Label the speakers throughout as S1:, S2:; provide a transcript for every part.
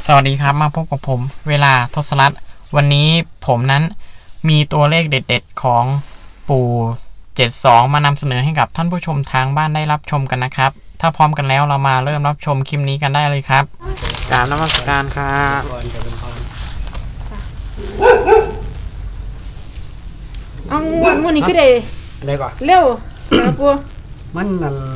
S1: สวัสดีครับมาพบกับผมเวลาทศรัตน์วันนี้ผมนั้นมีตัวเลขเด็ดๆของปู่72มานำเสนอให้กับท่านผู้ชมทางบ้านได้รับชมกันนะครับถ้าพร้อมกันแล้วเรามาเริ่มรับชมคลิปนี้กันได้เลยครับกราบนมัสการครับ
S2: เอาวันนี้ก็ได้
S3: อะไรก่อน
S2: เร็วนะปู
S3: มันนั่น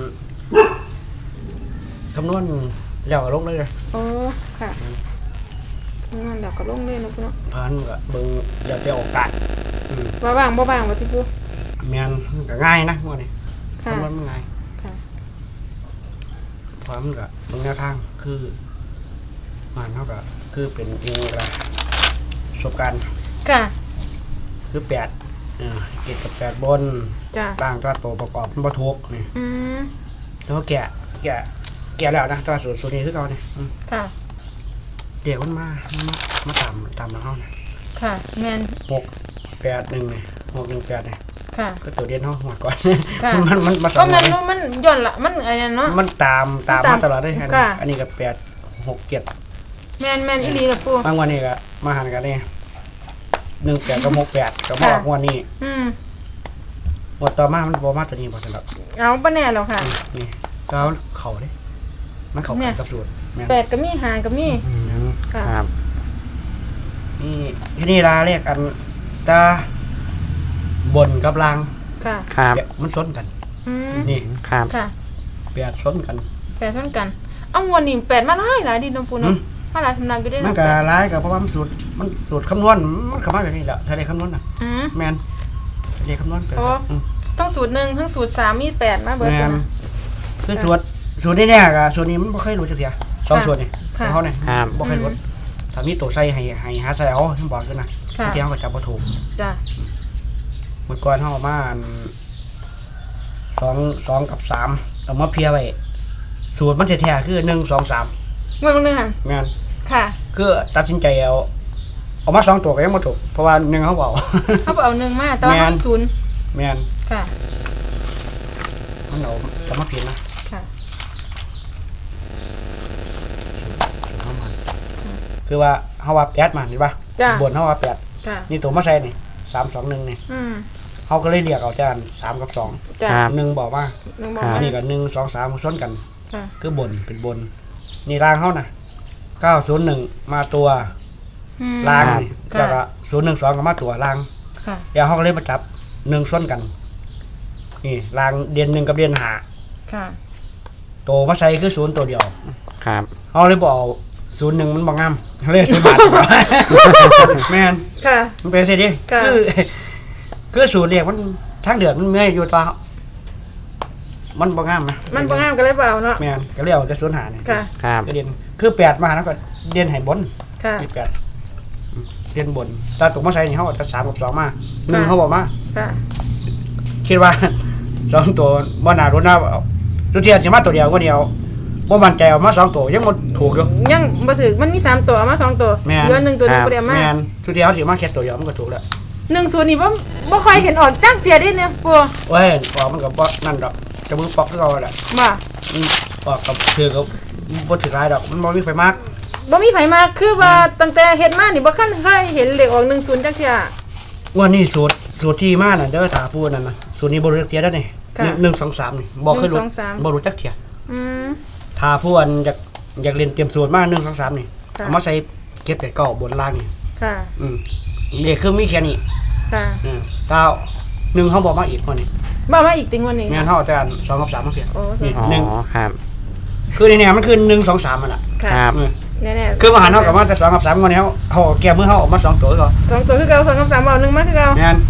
S3: คำนวณแล้วก็ลงเลย
S2: โอ้ค่ะนั่นเดี๋ยวก็ลงเลยนะปูเนาะ
S3: พันก็เบิ่งอย่าไปโอกาส
S2: ว่าบ้างบ่บ้างว่าที่ปู
S3: แม่นก็ง่ายนะพวกนี้คำนวณมันง่าย
S2: ค่ะ
S3: เพราะมันก็เบิ่งแนวทางคือมันเท่ากับคือเป็นเองละประสบการณ์
S2: ค่ะ
S3: คือ8เกตกับ8บน
S2: จ้ะ
S3: ต่างตัวประกอบมันบ่ถูกนี่แล้วแกะแล้วนะตัวสูตรนี้คือเก่านี่
S2: ค่ะ
S3: เดี๋ยวมันมาตามแล้วเฮานะ
S2: ค่ะแม่น
S3: 681นี่618นี่
S2: ค่ะ
S3: ก็ตัวเด่นเฮาหัวก่อน
S2: มันก็มันย้อนละมันอะไรเนาะ
S3: มันตามมาตลอดเลยอันนี้ก็8 6 7
S2: แม่นอีหลีล่ะปู่
S3: บางวันนี้ก็มาหันกันนี่18กับ68ก็มาออกวันนี้งวดต่อมามันบ่มาตัวนี้บ่ซั่นดอก
S2: เอาบ่แน่แล้วค่ะ
S3: นี่ก็เข้าเด้มันเข้ากับสูตรแม่น
S2: 8ก็มี5ก็มี
S1: ครับ
S3: นี่ที่นี่ลาเรียกอันตาบนกับล่าง
S2: ค่ะ
S1: ครับ
S3: มันซ้นกันนี่
S1: ครับ
S2: ค่ะ
S3: 8ซ้นกัน
S2: 8ซ้นกันเอางวดนี้8มาหลายดิน้องปูเนาะมาหลายสำนักอยู่ได้
S3: มันก็หลายก็เพราะว่ามันสูตรคำนวณมันเข้ามาแบบนี้แหละถ้าได้คำนวณน่ะแม่นได้คำนวณ
S2: ทั้งสูตร1ทั้งสูตร3มี8มาเบิดกัน
S3: คือสูตรนี้เนี่ยก็สูตรนี้มันบ่เคยรู้จักเที่ย2สูตรนี่เฮาเนี่ยบ่เคยรู้ถ้ามีตัวใส่ให้หาใส่เอาฉันบอกอยู่นะบางทีเฮาก็จับบ่ถูก
S2: จ้ะ
S3: เมื่อก่อนเฮามา2กับ3เอามาเพียไว้สูตรมันแท้ๆคือ1 2 3
S2: งวดนึงค่ะ
S3: แม่น
S2: ค่ะ
S3: คือตัดสินใจเอามา2ตัวก็ยังบ่ถูกเพราะว่า1เฮาเอา
S2: 1มาแต่ว่ามัน0
S3: แม่น
S2: ค่ะ
S3: มันเอาจะมาเปลี่ยนนะ
S2: ค่ะ
S3: คือว่าเฮาว่า8มาเห็นป่ะบนเฮาว่า8
S2: ค่ะ
S3: นี่ตัวมาใส่นี่3 2 1นี่เฮาก็เลยเรียกเอาจาน3กับ2
S2: จ้ะ
S3: 1บอกว่าอันนี้ก็1 2 3ซ้อนกันคือบนเป็นบนนี่ล่างเฮาน่ะ901มาตัวล่างแล้วก็012ก็มาตัวล่าง
S2: ค่ะ
S3: แล้วเฮาก็เลยมาจับ1ซ้อนกันนี่ล่างเดือน1กับเดือน5
S2: ค่ะ
S3: ตัวมาใส่คือ0ตัวเดียว
S1: ครับ
S3: เฮาเลยบ่เอา01มันบ่งามเขาเรียก0 บาทแม่น
S2: ค่ะ
S3: มันเป็นสิดิคือสูตรเรียกมันทั้งเดือนมันเมื่อยอยู่ตัวมันบ่งามนะ
S2: มันบ่งามก็เลยเปล่าเนาะ
S3: แม่นก็เรียกจะ0 5นี่
S2: ค่ะ
S1: ครับ
S3: ก็เด่นคือ8มาแล้วก็เด่นให้บน
S2: ค่ะ
S3: 8เด่นบนตาตกมาใส่นี่เฮาเอา3กับ2มา1เฮาบ่มา
S2: ค่ะ
S3: คิดว่า2ตัวบ่น่ารุนนะทุกทีสิมาตัวเดียวก็เดียวบ่มั่นใจเอามา2ตัวยังบ่ถูกอยู่
S2: ยังบ่ถูกมันมี3ตัวเอามา2ตัวเหลือ1ตัวนึงบ่ได้มา
S3: แม่นทุกทีเฮาสิมาแค่ตัวเดียวมันก็ถูกแล้ว
S2: 10นี่บ่ค่อยเห็นออกจักเที่ยเด้เนี่ยปู่
S3: โอ้ยออกมันก็บ่นั่นดอกจะมือปอกคือเก่าแหละ
S2: บ่
S3: ออกกับคือก็บ่ถือหลายดอกมันบ่มีไฟมาก
S2: บ่มีไผมาคือว่าตั้งแต่เฮ็ดมานี่บ่คันเคยเห็นเลขออก10จักเที่ย
S3: วันนี้สูตรที่มาน่ะเด้อตาปูนั่นน่ะสูตรนี้บ่รู้จักเที่ยแล้วนี่1 2 3นี่บ่เคยรู้บ่รู้จักเที่ยถ้าผู้อันอยากเรียนเตรียมสูตรมา1 2 3นี่เอามาใส่เก็บไก่เก่าบนล่างนี่
S2: ค่ะ
S3: นี่คือมีแค่นี้
S2: ค่ะ
S3: ถ้า1เฮาบ่มาอีกคนนี้
S2: บ่มาอีกติงวันนี้
S3: แม่นเฮาแต่2กับ3มาเพียง
S1: นี่1ครับ
S3: คือเนี่ยมันคือ1 2 3มันล่ะ
S1: ครับ
S2: แน่ๆ
S3: คือมาหาเฮากับมาแต่2กับ3คนนี้เฮาแก้มือเฮาออกมา2ตัวก็
S2: 2ตัวคือเก่า2กับ3เอา1มาคือเก่า
S3: แม่น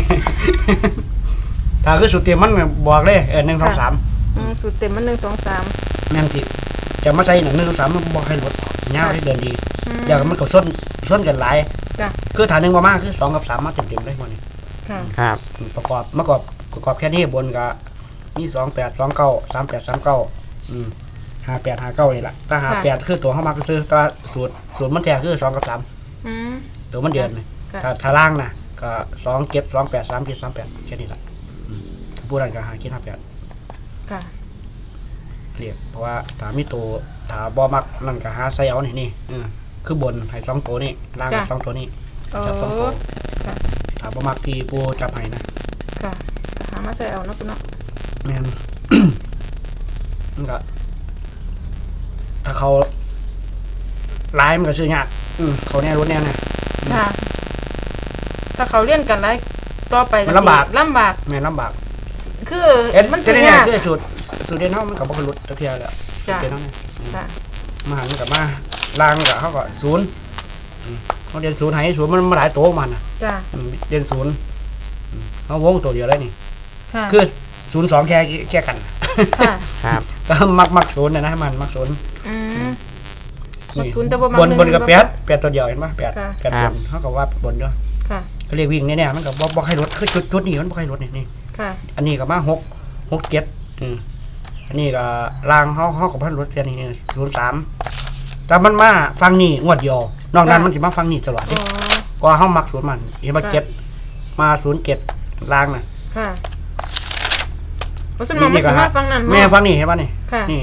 S3: ถ้าคือสูตรเต็มมันบอกเลย1 2 3
S2: สูตรเต็มมัน1 2 3
S3: แม่นสิจะมาใส่1 2 3มันบ่ให้ลดยาวให้เดินดีอย่างมันก็ส้นกันหลายคือฐาน1บ่มาคือ2กับ3มาเต็มๆเลยมื้อนี้
S1: ครับ
S3: ประกอบแค่นี้บนก็มี28 29 38 39 58 59นี่ล่ะถ้า58คือตัวเฮามักซื้อตัวสูตรมันแท้คือ2กับ3ตัวมันเดือนถ้าล่างน่ะก็2 7 2 8 3 7 3 8แค่นี้ล่ะผู้นั้นก็หาคิด58
S2: ค่ะ
S3: เรียกเพราะว่าถ้ามีตัวถ้าบ่มักนั่นก็หาใส่เอานี่คือบนให้2ตัวนี่ล่างให้2ตัวนี่
S2: โอ้
S3: จับ2ตัว
S2: ค่ะ
S3: ถ้าบ่มักที่ปูจับให้นะ
S2: ค่ะหามาใส่เอาเนาะปูเนาะ
S3: แม่น มันก็ถ้าเขาร้ายมันก็ซื้อยากเขาแน่รถแน่นะ
S2: ค่ะ ถ้าเขาเลี้ยนกันได้ต่อไป
S3: มันลำบาก
S2: ลำบาก
S3: แม่นลำบาก
S2: คือ
S3: มัน
S2: สิ
S3: จะได้
S2: ยาก
S3: คือสูตรเด่นเฮามันก็บ่ค่อยลดตะเทียแล้วสูต
S2: จ้ะ
S3: รเด่นเฮาเนี่ย
S2: ค่ะ
S3: มาหันกับมาล่างกับเขาก็ศูนย์เขาเด่นศูนย์ให้ศูนย์มันมาหลายโตวมันน่ะ
S2: จ้ะ
S3: เด่นศูนย์เขาวงตัวเดียวเลยนี่
S2: ค่ะ
S3: คือ02แค่กัน
S2: ค่ะ
S1: ครับ
S3: ก็มักศูนย์นะมันมักศูนย์
S2: อืม มัก
S3: นี่
S2: ศูนย์แต่บ่มัก
S3: บน
S2: หนึ่ง
S3: บนกับ
S2: บ่
S3: แปดตัวเดียวเห็นป่ะแปด
S2: ค่ะ
S3: แปดบนเขาก็ว่าบนด้วย
S2: ค่ะ
S3: ก็เรียกวิ่งเนี่ยมันก็บ่ให้รถคือจุดนี้มันบ่ให้รถนี่
S2: ค่ะ
S3: อันนี้ก็มา6 7อันนี้ก็รางเขาก็พันรถเสียนี่03แต่มันมาฟังนี่งวดเดียวนอกนั้นมันสิมาฟังนี่ตลอด
S2: อ๋อ
S3: ก็เฮามักศูนย์มันเห็นว่า
S2: ค่ะ
S3: เก็บมา07รางน่ะ
S2: ค่ะเพราะฉะนั้นมันสิมาฟังนั่น
S3: แม่
S2: เนาะ
S3: ฟังนี่เห็นป่ะนี่
S2: ค่ะ
S3: นี่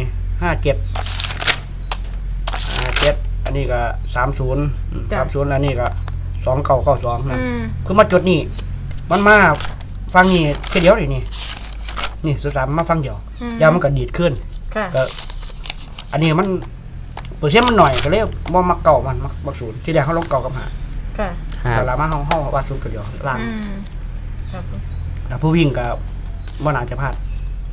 S3: 57อันนี้ก็30 30แล้วนี่ก็2992นะ
S2: อืม
S3: คือมาจุดนี่มันมาฟังนี่แค่เดียวนี่สุดสามมาฟังเดียว ยาวมันก็ดีดขึ้น
S2: ค่ะ
S3: ก็อันนี้มันเปอร์เซ็นต์มันหน่อยก็เลยบ่มักเก่ามันมักศูนย์ที่แรกเขาลงเก่ากับหา
S2: ค่ะ
S1: ครับ
S3: แต่ละมาห้องว่าศูนย์ก็เดียวล่าง
S2: อืมครับผม
S3: แล้วผู้วิ่งก็บ่น่าจะพลาด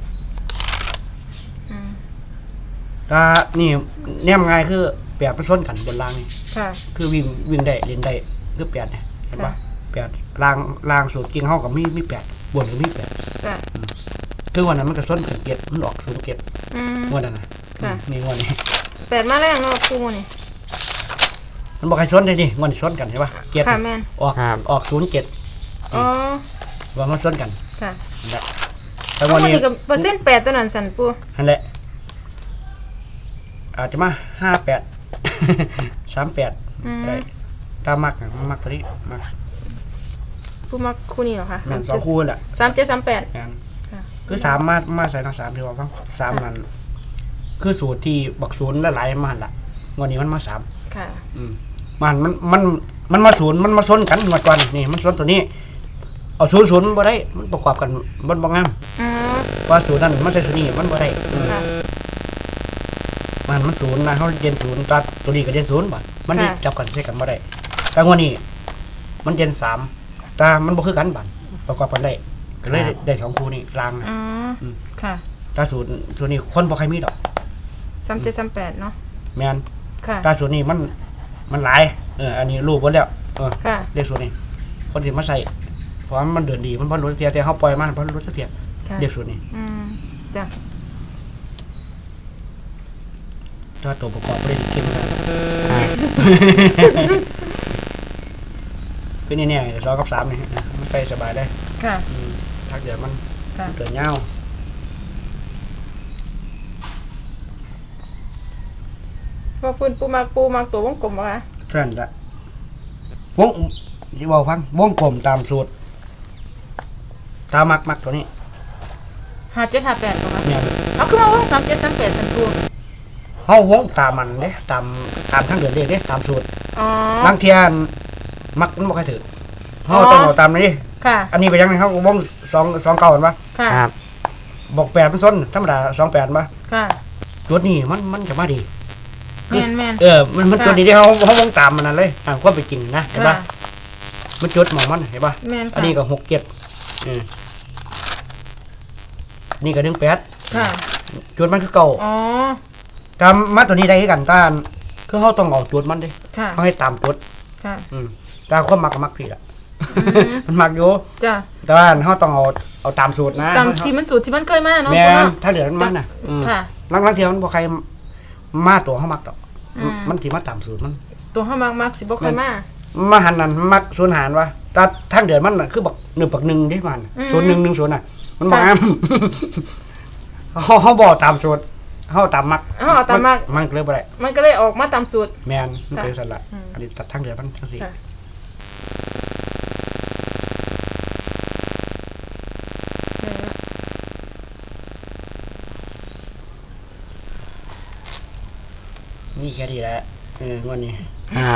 S2: อืม
S3: แต่นี่แนมง่ายคือแปดมันซ้นกันบนล่างนี่
S2: ค่ะ
S3: คือวิ่งได้เล่นได้คือแปดเนี่ยเห็นปะ
S2: ค่ะ
S3: แปดล่างสูตรกิ่งเฮากับมีแปดบนก็มีแปด
S2: ค่ะ
S3: คือวันนั้นมันก็ซ้นขึ้นเก็ดมันออกศูนย์เก็ด
S2: อืม
S3: งวดนั้นน่ะ
S2: ค่ะ
S3: นี่งวดนี้
S2: แปดมาแรงเนาะครูนี่
S3: มันบอกให้ซ้นได้ดิงวดนี้ซ้นกันใช่ปะเก็ด
S2: ค่ะแม่น
S3: ออกศูนย์เก็ด
S2: อ๋อ
S3: ว่ามันซ้นกัน
S2: ค่ะ
S3: นั่นแหละแต่
S2: ทั้
S3: วั
S2: ง
S3: น
S2: หมด
S3: นี้
S2: นี่ก็เปอร์เซ็นต์8ตัวนั้นสั่นปู
S3: นั่นแหละอาจจะมา58 38
S2: อืม
S3: ได้ตามมักมักตัวนี้มัก
S2: ปูมักคู่นี้เหรอคะ
S3: แม่น2คู่แหละ
S2: 3738
S3: แม่น
S2: ค่ะ
S3: คือ3มาใส่ทั้ง3ที่ว่าฟัง3นั้นคือสูตรที่บักศูนย์หลายๆมาหั่นล่ะงวดนี้มันมา3
S2: ค่ะ
S3: มันมาศูนย์มันมาซ้นกันงวดก่อนนี่มันซ้นตัวนี้เอา00มันบ่ได้มันประกอบกันมันบ่งาม
S2: อ๋อ
S3: ว่าศูนย์นั้นมันใส่ศูนย์นี้มันบ่ได้
S2: ค่ะ
S3: มันศูนย์นะเขาเรียนศูนย์ตัดตัวนี้ก็เรียนศูนย์บ่มันนี่
S2: ค่ะ
S3: จับกันใช้กันบ่ได้แต่งวดนี้มันเรียน3แต่มันบ่คือกันบัดประกอบกันได้ก็เลยได้2คู่นี่ลางนะ
S2: อ๋อค่ะ
S3: แต่ศูนย์นี้คนบ่ใครมีดอก
S2: 3738เนาะ
S3: แม่น
S2: ค่ะ
S3: แต่ศูนย์นี้มันหลายอันนี้รู้เบิดแล้ว
S2: ค่ะ
S3: เลขศูนย์นี้คนสิมาใส่เพราะว่ามันเดินดีมันบ่รู้เทียแต่เฮาปล่อยมันบ่รู้เทีย
S2: ค่ะ
S3: เลขศูนย์นี้
S2: อืมจ้ะ
S3: ถ้าตัวประกอบบ่ได้เข้มกันคือนี่เนี่ย2กับ3นี่มันใส่สบายได้
S2: ค่ะ
S3: ถ้าเกิดมัน
S2: ค่ะ
S3: เกิดเงา
S2: ว่าพื้นปูมักตัววงกลมบ่คะ
S3: เท่านั้นละวงที่บอกฟังวงกลมตามสูตรตามมักตัวนี้
S2: 5758บ่คะ
S3: เนี่ย
S2: เอาคือมาว่า3738สั่นปู
S3: เฮาวงตามมันเด้ตามทางเดินเลขเด้ตามสูตร
S2: อ๋อ
S3: บางเทียนมักมันบ่ค่อยถือเฮาต้องเอาตามนี้
S2: ค่ะ
S3: อันนี้ไปยังไงเฮาวง2เก่าเห็นปะ
S2: ค่ะ
S1: ครับ
S3: บอก8มันซ้นธรรมดา28ป่ะ
S2: ค่ะ
S3: จุดนี้มันจะมาดี
S2: แม่น
S3: มันจุดนี้ที่เฮาวงตามมันนั่นเลยตามความเป็นจริงนะเห็น
S2: ค่ะ
S3: ปะมันจุดหมองมันเห็นปะ
S2: แม่น
S3: อัน
S2: ค่ะ
S3: นี้ก็6 7นี่ก็18
S2: ค่ะ
S3: จุดมันคือเก่า
S2: อ๋อ
S3: ตามมาตัวนี้ได้คือกันต้านคือเขาต้องเอาจุดมันเด้
S2: ค่ะ
S3: เขาให้ตามจุด
S2: ค่ะ
S3: แต่ความมักก็มักผิดอ่ะ
S2: อืม
S3: มันมักอยู่
S2: จ้ะ
S3: แต่ว่าเขาต้องเอาตามสูตรนะ
S2: ตามที่มันสูตรที่มันเคยมาเนาะ
S3: แม่
S2: ปู
S3: น
S2: เนาะ
S3: ถ้าเหลือมันน่ะ
S2: ค่ะ
S3: ลังเทียวมันบ่ใครมาตัวเขามักดอก
S2: อืม
S3: มันสิมาตามสูตรมัน
S2: ตัวเฮามักสิบ่เคยมา
S3: มาหันนั่นมักสูญหารวะแต่ทางเดือนมันน่ะคือบัก1 บัก 1เด้มัน
S2: อืม
S3: 0110น่ะ มันบ่
S2: ค่ะ
S3: งาม เขาบ่ตามสูตรเขาตามมัก
S2: เอาตามมัก
S3: มันก็เลยบ่ได้
S2: มันก็เลยออกมาตามสูตร
S3: แม่นมัน
S2: ค่ะ
S3: เป็นสันละ
S2: อืม
S3: อันนี้ตัดทางเดือนมันจังซี่
S2: ค่ะ
S3: นี่แค่นี้แหละงวดนี้
S1: ครับ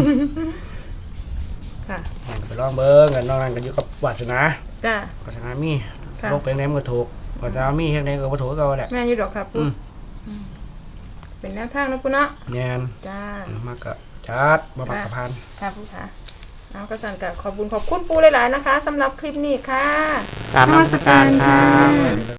S2: ค่ะ
S3: ไปลองเบิ้งกันนอกนั้นกันอยู่กับวาสนา
S2: จ้าว
S3: าสนามี
S2: ค่ะ
S3: โลกเป็นไหนมันก็ถูกวาสนามีเฮ็ดไหนก็บ่ถูกก็แหละ
S2: แม่นอยู่ดอกครับปูเป็นแนวทางนะปูเนาะ
S3: แน่น
S2: จ้าม
S3: ากก็จัดบ่มักกะพาน
S2: ค่ะปูค่ะเอากระสันกับขอบคุณปูหลายๆนะคะสำหรับคลิปนี้ค่ะ
S1: กราบนมัสการครับ